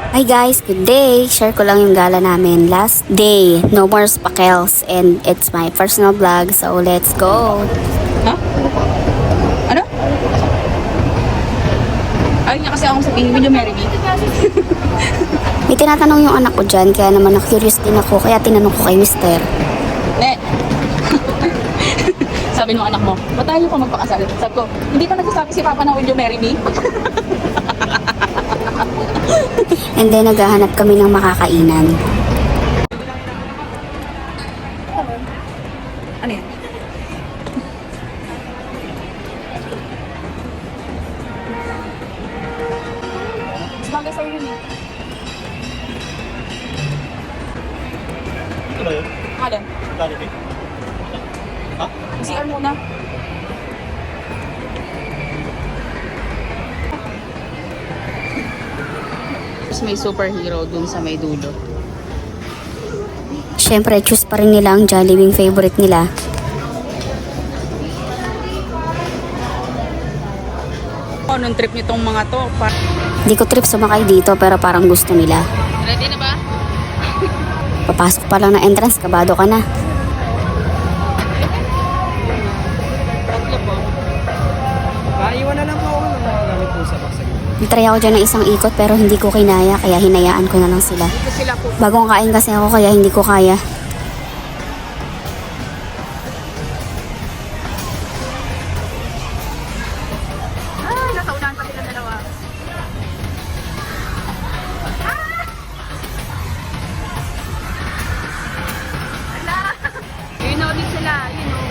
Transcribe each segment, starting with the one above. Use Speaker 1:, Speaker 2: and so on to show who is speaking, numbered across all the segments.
Speaker 1: Hi guys, good day! Share ko lang yung gala namin. Last day, no more spakels. And it's my personal vlog, so let's go!
Speaker 2: Ha? Ano? Ayun nga kasi akong sabihin, will you marry me?
Speaker 1: May tinatanong yung anak ko dyan, kaya naman na-curious din ako, kaya tinanong ko kay mister.
Speaker 2: Ne. Sabi ng anak mo, ba't tayo pa magpakasal? Sabi ko, hindi pa nagsasabi si Papa na will you marry me?
Speaker 1: And then naghahanap kami ng makakainan.
Speaker 2: Ano yan? Sabagay sa'yo yun eh.
Speaker 3: Ito ba yun?
Speaker 2: Alin?
Speaker 3: Jollibee? Ha?
Speaker 2: CR muna. Tapos may superhero dun sa may dulo.
Speaker 1: Siyempre, choose pa rin nila ang Jollibee favorite nila.
Speaker 2: Anong trip nitong mga to?
Speaker 1: Hindi ko trip sumakay dito pero parang gusto nila.
Speaker 2: Ready na ba?
Speaker 1: Papasok pa lang na entrance, kabado ka na.
Speaker 2: Tatlo po.
Speaker 3: Iwan na lang po ako ng mga gamit po sa baksa.
Speaker 1: Nitry ako dyan ng isang ikot pero hindi ko kinaya, kaya hinayaan ko na lang sila.
Speaker 2: Ito sila po.
Speaker 1: Bagong kain kasi ako kaya hindi ko kaya.
Speaker 2: Ay, nasa unahan pa sila dalawa. You know din sila, you know.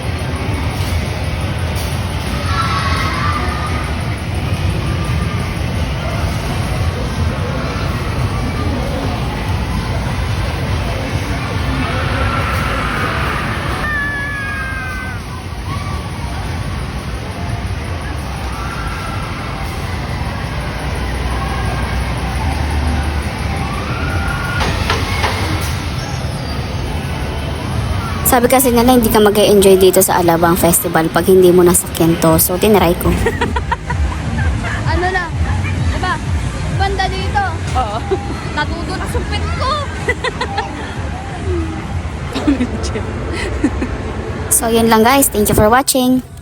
Speaker 1: Sabi kasi nila hindi ka mag-enjoy dito sa Alabang Festival pag hindi mo nasakyan to. So, tinry ko.
Speaker 4: Ano na? Diba? Banda dito.
Speaker 2: Oo.
Speaker 4: Natutulog sa pet ko.
Speaker 1: So, yun lang guys. Thank you for watching.